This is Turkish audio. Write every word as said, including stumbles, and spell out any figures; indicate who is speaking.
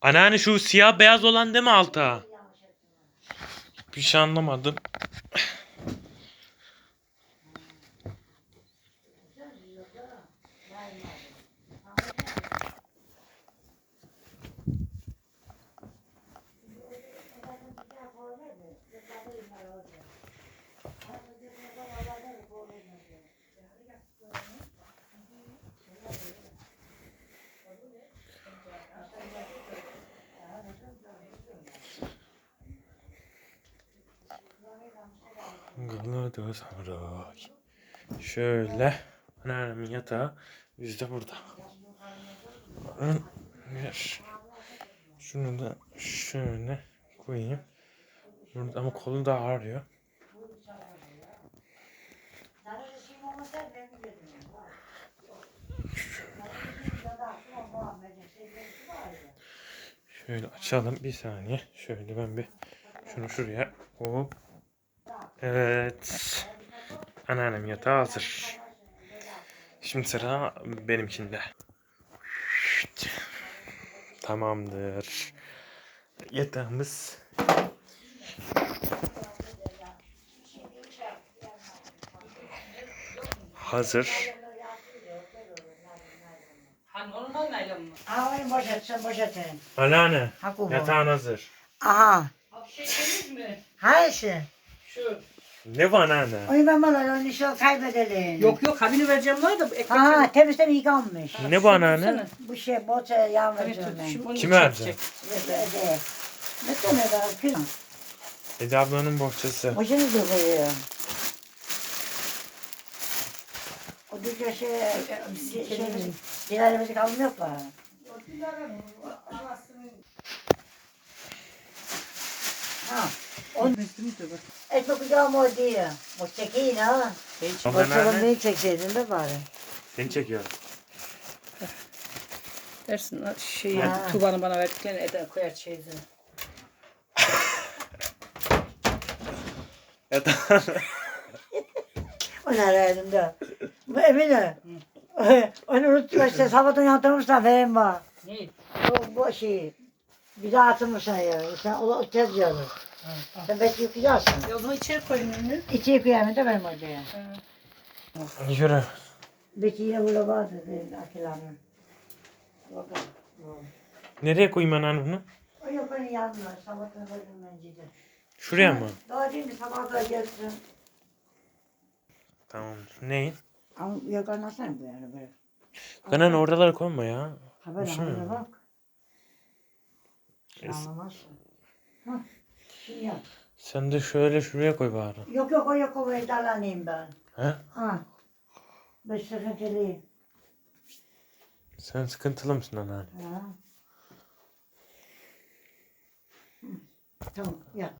Speaker 1: Anneanne şu siyah beyaz olan değil mi alta? Bir şey anlamadım. Galadı saray. Şöyle. Anneannemin yatağı. Biz de burada. Bir. Şunu da şöyle koyayım. Burada ama kolum da ağrıyor. Şöyle açalım bir saniye. Şöyle ben bir şunu şuraya. Hop. Evet. Anneannem yatağı hazır. Şimdi sıra benimkinde. Tamamdır. Yatağımız hazır.
Speaker 2: Ha normal naylon mu?
Speaker 3: Ha onu boşalt, sen boşaltın.
Speaker 1: Anneanne
Speaker 3: Ha bu.
Speaker 1: yatağın hazır.
Speaker 3: Aha.
Speaker 2: Abi şey temiz mi?
Speaker 3: Hangisi?
Speaker 2: Şu.
Speaker 1: Ne var anneanne?
Speaker 3: Onu ben bana onu şu kaybedelim.
Speaker 2: Yok yok kabini vereceğim var da ekmek.
Speaker 3: Ha temizden yıkanmış.
Speaker 1: Ne bu anneanne?
Speaker 3: Bu şey boça yağmur
Speaker 2: Şimdi
Speaker 1: Kime vereceksin?
Speaker 3: Ne tane daha kız?
Speaker 1: Ece ablanın bohçası.
Speaker 3: Boşanı da koyuyor. O düzce şey, şey, şey, diğerimizi kalmıyor mu? Ha. On ekmek yağmur diyor. Bu çekeyim ha.
Speaker 1: Ama
Speaker 3: Boçanı
Speaker 1: anneanne
Speaker 3: beni çekseydin de bari.
Speaker 1: seni çekiyor.
Speaker 2: Dersin şey
Speaker 3: Ha.
Speaker 2: Tuğba'nın bana verdiklerini Eda koyar çeyizine.
Speaker 1: Yatağın.
Speaker 3: O ne elimde? Bu Emine. Onu unuttum işte sabahtan yatırmışlar benim var.
Speaker 2: Ne?
Speaker 3: Bu, bu şey. Bir daha atılmışlar ya. Sen o tez diyorsun. Sen belki yıkayacaksın.
Speaker 2: E o zaman içeri koyun ünlü.
Speaker 3: İçi yıkayamam da benim odaya.
Speaker 1: Yürü.
Speaker 3: Belki yine burada vardı benim akilerim. Bakalım.
Speaker 1: Nereye koyayım anneanne bunu?
Speaker 3: O yok onun yanına. Sabahtan koydum ben cidden.
Speaker 1: Şuraya mı?
Speaker 3: Daha değil mi? Sabah da gelsin.
Speaker 1: Tamamdır. Neyin?
Speaker 3: Ama yok anlasana bu yani böyle.
Speaker 1: Anneanne oralara koyma ya.
Speaker 3: Haber
Speaker 1: Hoşuma
Speaker 3: haber
Speaker 1: gidiyor.
Speaker 3: bak. Anlamazsın. Hah. Şimdi yap.
Speaker 1: Sen de şöyle şuraya koy bari.
Speaker 3: Yok yok o yok o vedalanayım ben.
Speaker 1: He?
Speaker 3: Ha. Ben sıkıntılıyım.
Speaker 1: Sen sıkıntılı mısın anneanne?
Speaker 3: Ha. Hı. Tamam yap.